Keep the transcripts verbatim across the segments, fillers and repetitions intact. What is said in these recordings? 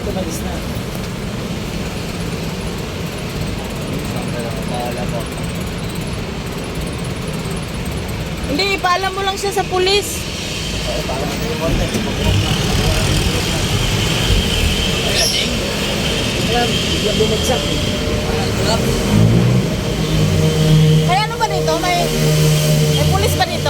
tumalis na. Hindi, ipaalam mo lang siya sa pulis. Oo, parang ano yung konti. Bukbok na. Ay, lasing. Kaya, biglang bumagsak eh. May ano ba dito? May, may pulis ba dito?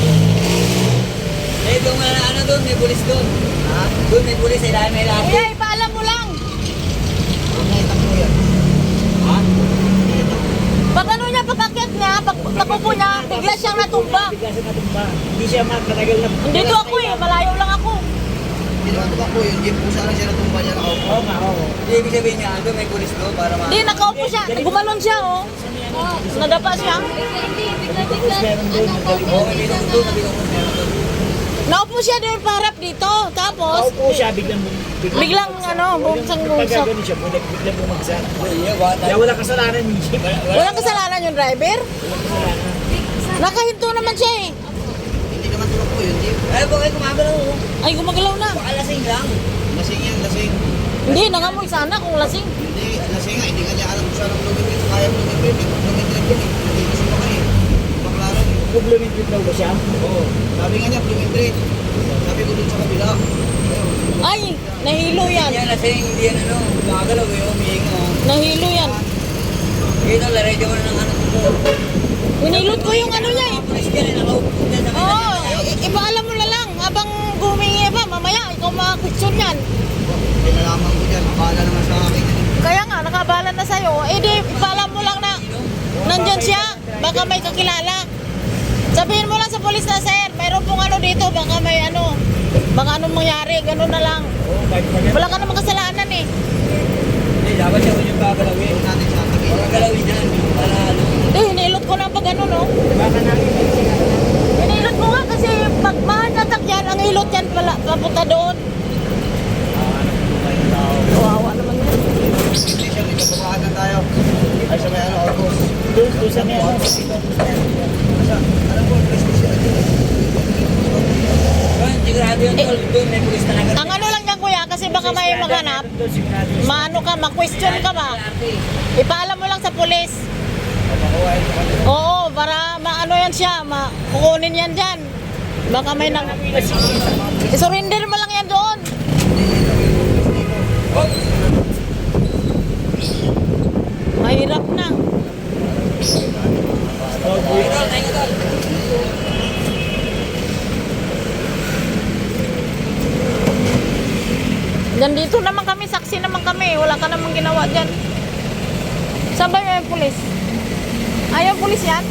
Eh, doon nga na ano doon, may pulis doon. Ha? Doon may pulis, eh, dahil may lahat. Kuya, ipaalam mo lang. Nakita ko yan. Ha? Pag ano niya, pagkakit niya, pag pagkupo niya, bigla siyang natumba. Bigla siya natumba. Hindi siya matagal na. Dito ako eh, malayo lang ako. Hindi naman tumakbo yun, jeep kung saan siya natumba niya nakaupo. Oo nga, oo. Hindi, ibig sabihin niya, doon may pulis doon para ma... Hindi, nakaupo siya. Gumalon siya, oh. Nadapa siya. Meron doon, nagaling. Oo, may binong doon, may binong meron doon. Naupo siya doon paharap dito. Tapos, Naupo siya, biglang biglang ano, bumsang Pag bumsak. gano'n siya, biglang biglang bumagsak. Iya, bata. Kaya wala kasalanan yung jeep. Walang kasalanan yung driver. Walang kasalanan. Nakahinto naman siya eh. Hindi naman tumakbo yun, jeep. Ay, bakit kumagalaw ko? Ay, gumagalaw na. Baka lasing lang. Lasing yan, lasing. Hindi, nangamoy sana kung lasing. Hindi, lasing nga, hindi nga niya alam kung saan ang lumipit. Kaya lumipit, eh. Pag lumipit yun, eh. Hindi ko siya kayo. Baklaran eh. Complemented daw ba siya? Oo. Sabi nga niya, lumipit. Sabi ko dun sa kabila. Ayun. Ay, nahilo yan. Hindi yan lasing, hindi yan ano. Kumagalaw eh, umihinga. Nahilo yan. Ito, larejo mo na ng ano ko. Hinilot ko yung ano niya eh. Pulis ka rin, nakaupo dyan sa Oo, kanya. i- ipaalam mo na lang. Habang gumingi pa, mamaya, ikaw mga-question yan. Hindi nalaman ko dyan. Akala naman sa akin. Kaya nga, nakabala na sa'yo. Eh di, ipaalam mo lang na nandyan siya. Baka may kakilala. Sabihin mo lang sa polis na, sir, mayroon pong ano dito. Baka may ano, baka anong mangyari. Ganun na lang. Oo, kahit pa Wala ka namang kasalanan eh. Hindi, dapat siya ko yung gagalawin. Huwag natin sa tabi. Huwag galawin yan. Para ano. Hindi, hinilot ko na pag ano, no? Baka nakita siya. Hinilot ko nga kasi pag mahatatak yan, ang hilot yan pala, papunta doon. Kawawa naman yan. Hindi siya, dito bukaan na tayo. Ay, sa may ano, August. Doon, doon sa may ano, sa pito. Sa, alam ko, Christy siya. Doon, sigurado yun, tol. Doon may pulis talaga. Ang ano lang yan, kuya, kasi baka may maghanap, Doon, sigurado yun. maano ka, ma-question ka ba? Ipaalam mo lang sa pulis. Makuha ito kami. Oo, para maano yan siya, ma kukunin yan dyan. Baka may nang... I-surrender mo lang yan doon. Mahirap na. Oh, boy. Tol, tayo nga, tol. Diyan dito naman kami, saksi naman kami. Wala ka namang ginawa dyan. Saan ba yung pulis? Ayaw pulis yan?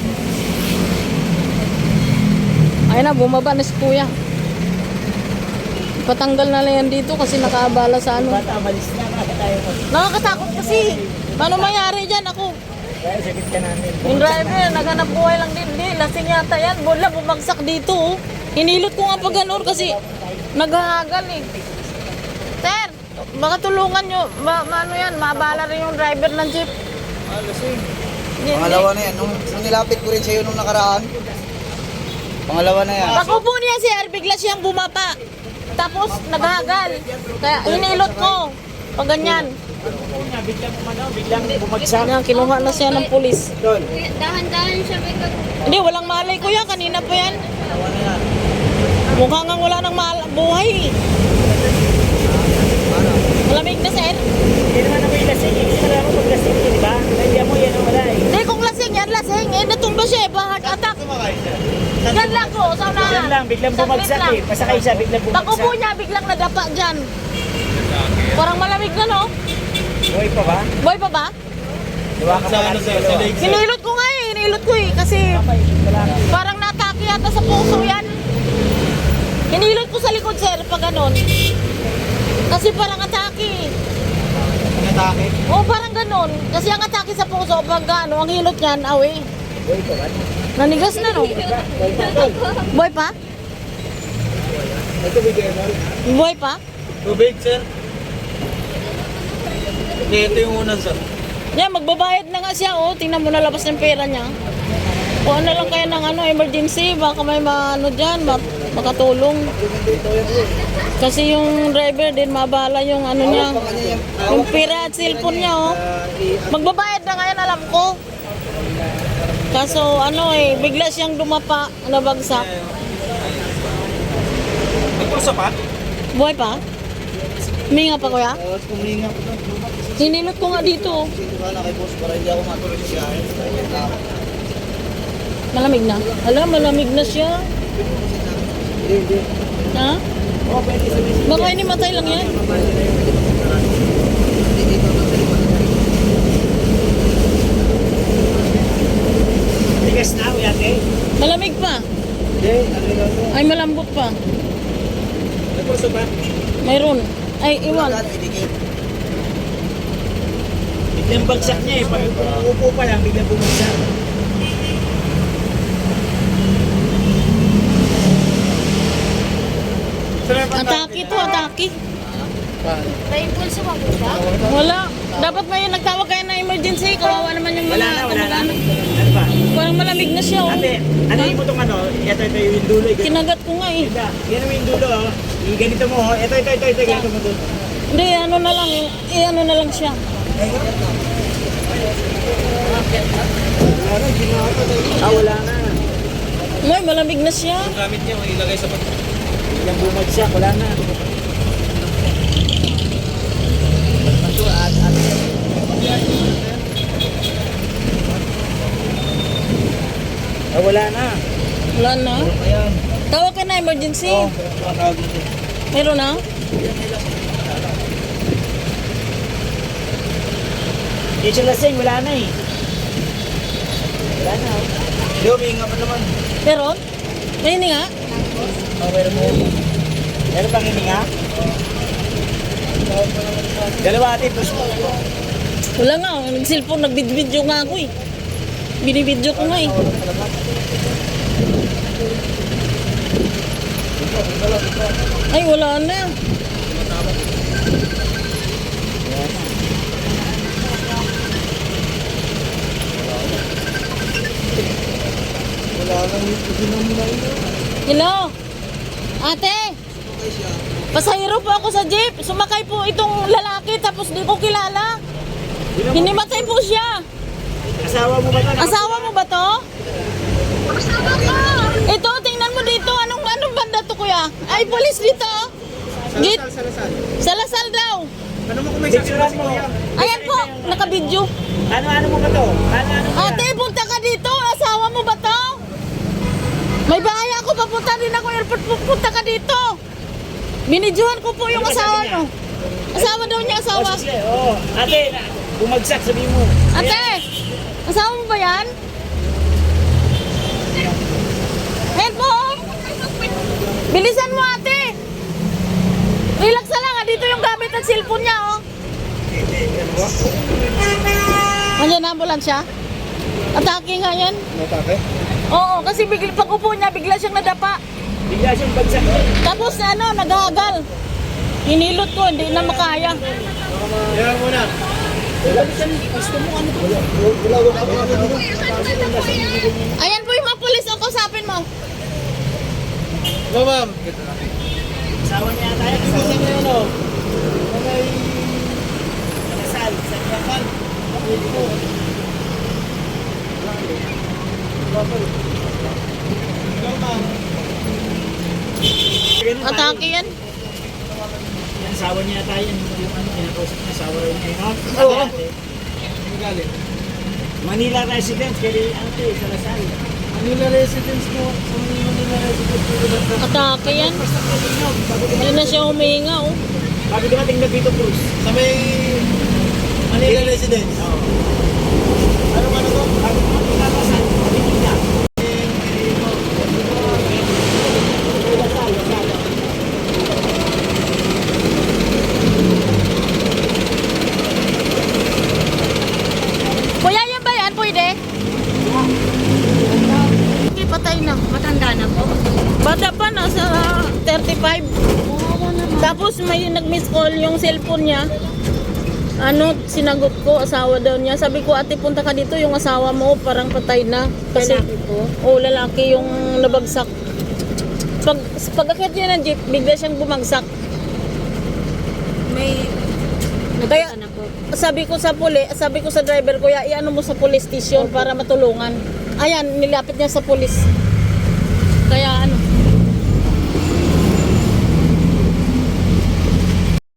Ayun na, bumaba na si kuya. Patanggal na lang yan dito kasi nakaabala sa ano. Bata, malis na. Baka tayo mag... Nakakatakot kasi. Paano mayari dyan ako? Kaya sakit ka namin. Yung driver, naghanap buhay lang din. Hindi, lasing yata yan. Bola, bumagsak dito. Oh. Hinilot ko nga pa ganun kasi naghahagal eh. Sir, baka tulungan nyo. Ma, ma- ano yan, maabala rin yung driver ng jeep. Ah, lasing. Hindi, Pangalawa na yan. Nung, nung nilapit ko rin sa'yo nung nakaraan. Pangalawa na yan. Pag-upo niya sir, bigla siyang bumapa. Tapos naghahagal. Kaya hinilot ko. Pag ganyan. Una, biglang umano, biglang bumagsak. Yan, kinuha na siya ng pulis. Doon. Dahan-dahan siya may kag... Hindi, walang malay ko yan. Kanina pa yan. Mukha nga wala nang mal- buhay. eh. Malamig na sir. Hindi naman ako yung lasing. Kasi alam mo pag lasing ko, di ba? Nandiyan mo yan, wala eh. Hindi, kung lasing yan, lasing. Eh, natumba siya eh. Heart attack. Yan lang ko, sa unahan. Yan lang, biglang Saglit bumagsak lang. eh. Pasakay siya, biglang bumagsak. Pag-upo niya, biglang nadapa dyan. Parang malamig na, no? Buhay pa ba? Boy pa ba? Diba ka pa lang sa leg? Hinilot ko nga eh. Hinilot ko eh. Kasi parang natake yata sa puso yan. Hinilot ko sa likod, sir, pag ganon. Kasi parang atake. Ang atake. Oo, parang ganon. Kasi ang atake sa puso, pag ano, ang hilot niyan, awi. Buhay pa ba? Nanigas na, no? Buhay pa tol. Boy pa? Ito bigay mo. Boy pa? Tubig, sir. Hindi, ito yung unang, sir. Yan, magbabayad na nga siya, oh. Tingnan mo na labas ng pera niya. O ano lang kaya ng ano, emergency, baka may maano dyan, ma makatulong. Kasi yung driver din, mabala yung ano niya, yung pira at cellphone niya, oh. Magbabayad na ngayon, alam ko. Kaso ano eh, bigla siyang dumapa, nabagsak. Nagpulsa pa? Buhay pa? Huminga pa, kuya? Tapos kuminga ko doon. Hinilot ko nga dito, oh. Dito ka na kay boss para hindi ako matuloy sa biyahe. Malamig na. Alam, malamig na siya. Hindi, hindi. Ha? Oo, pwede sabihin. Baka ini matay lang yan. Hindi dito na sa likod. Tigas na, kuya ate. Malamig pa. Hindi, ano lang to? Ay, malambot pa. Nagpulsa pa? Mayroon. Ay, iwan. Lagat, idikit. Biglang bagsak niya eh. Pag upo pa lang, biglang bumagsak. Atake to, atake. May impulso ba po siya? Wala. Dapat may nagtawag kayo na emergency. Kawawa naman yung Wala mga na, wala na. kamag-anak. Ano ba? Parang malamig na siya, oh. Ate, ano yung itong ano? Ito, ito yung dulo. eh. Kinagat ko nga, eh. Ganda. Yan ang yung dulo, oh. I- Ganito mo, oh. Ito, ito, ito, ito. Ganito mo doon. Hindi, ano na lang, eh. Eh, ano na lang siya. Ah, wala na. May, malamig na siya. Gamit niya, ilagay sa pag... Biglang bumagsak, wala na. Ah, wala na. Wala na. Ayan. Tawag ka na emergency. Oo, matawag natin. Meron na? Yung siya lasing, wala na eh. Wala na. oh. Hindi, umihinga pa naman. Meron? May hindi nga? Oh, meron mo. Meron bang hininga? Dalawa ate, push mo. Wala nga. oh. Nag-cellphone, nag-video nga ako, eh. Binibidyo ko nga, eh. Ay, wala na. Wala nang ginamulay na. Hello? Ate? Okay siya. Pasahero po ako sa jeep. Sumakay po itong lalaki tapos di ko kilala. Hinimatay po siya. Asawa mo ba ito? Asawa mo ba to? Ito, tingnan mo dito. Anong anong banda to, kuya? Ay, polis dito. Git. Sa Lasal daw. Ano mo kung may saksihan mo? Ayan po, nakabidyo. Ano, ano mo ba to? Ano, ano mo Ate, punta ka dito. Asawa mo ba to? May bahay ako. Papunta din ako airport. Punta ka dito. Binidyohan ko po yung Ano ba asawa sabi niya? nyo. Asawa daw niya, asawa. Oh, sige, oh. Ate, bumagsak, sabihin mo. Ate, asawa mo ba yan? Ayan po. oh. Bilisan mo, ate. Relax na lang. ah. Dito yung gamit at cellphone niya, oh. Andiyan na ambulansya? Atake nga yan. Matake? Oo, kasi bigla, pag upo niya, bigla siyang nadapa. Bigla siyang bagsak. Tapos ano, naghahagal. Hinilot ko, hindi na makaya. Yan muna. Wala, wala, wala, wala. Ayan po yung mga pulis, o kausapin mo. No, ma'am. Asawa niya tayo. Asawa niya yun, oh. May... Nakasal. Sa Nakasal. Atake yan. Yan, asawa niya tayo. Yung ano, kinakausap niya, asawa rin niya. yun, oh. Oo. Ate, Manila residence, kaya ate, sa Lasal. Manila residence mo. Sa Manila residence mo. Atake yan. Hindi na siya humihinga, oh. Bago dumating na dito, Bruce. Sa may Manila residence. Ano ano to? Bago dumating na Lasal. Tingin niya. Lasal, Lasal. Kuya, yan ba yan? Pwede? Hindi, patay na. Matanda na po. Bata pa, nasa thirty-five. Tapos may nag-miss call yung cellphone niya. Ano, sinagot ko, asawa daw niya. Sabi ko, ate, punta ka dito, yung asawa mo parang patay na. Kasi, Lalaki po? Oo, lalaki yung nabagsak. Pag, pag-akit niya ng jeep, bigla siyang bumagsak. May Kaya, nakita na po. sabi ko sa puli, sabi ko sa driver, kuya, iano mo sa police station para matulungan. Ayan, nilapit niya sa pulis. Kaya ano,